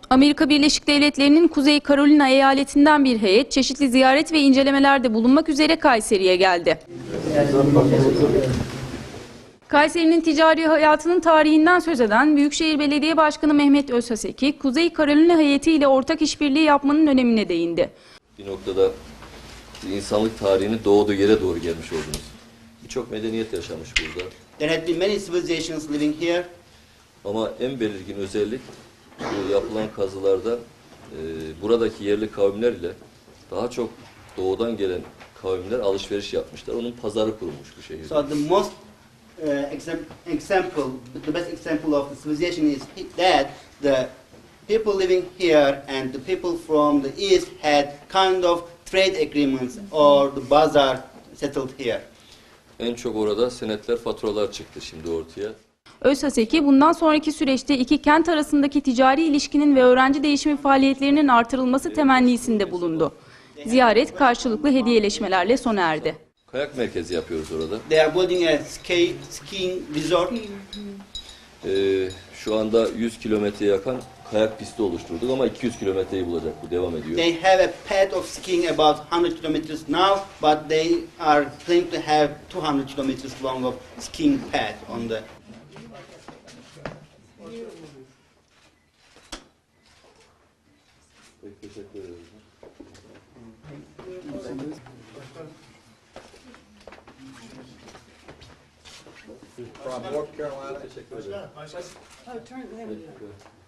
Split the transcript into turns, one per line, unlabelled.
Amerika Birleşik Devletleri'nin Kuzey Carolina eyaletinden bir heyet çeşitli ziyaret ve incelemelerde bulunmak üzere Kayseri'ye geldi. Kayseri'nin ticari hayatının tarihinden söz eden Büyükşehir Belediye Başkanı Mehmet Özhaseki, Kuzey Carolina heyeti ile ortak işbirliği yapmanın önemine değindi.
Bir noktada insanlık tarihinin doğduğu yere doğru gelmiş oldunuz. Birçok medeniyet yaşamış burada.
There had been many civilizations living here.
Ama en belirgin özellik bu yapılan kazılarda buradaki yerli kavimler ile daha çok doğudan gelen kavimler alışveriş yapmışlar. Onun pazarı kurulmuş bu şehirde.
So the most example, the best example of the civilization is that the people living here and the people from the east had kind of trade agreements or the bazaar settled here.
En çok orada senetler, faturalar çıktı şimdi ortaya.
Özhaseki bundan sonraki süreçte iki kent arasındaki ticari ilişkinin ve öğrenci değişimi faaliyetlerinin artırılması temennisinde bulundu. Ziyaret karşılıklı hediyeleşmelerle sona erdi.
Kayak merkezi yapıyoruz orada.
They are building a skiing resort.
Şu anda 100 kilometreye yakın kayak pisti oluşturduk ama 200 kilometreyi bulacak, bu devam ediyor.
They have a path of skiing about 100 kilometers now, but they are claiming to have 200 kilometers long of skiing path on the.
Teşekkür ederim.
From North Carolina.
Teşekkür ederim.
Oh, turn them.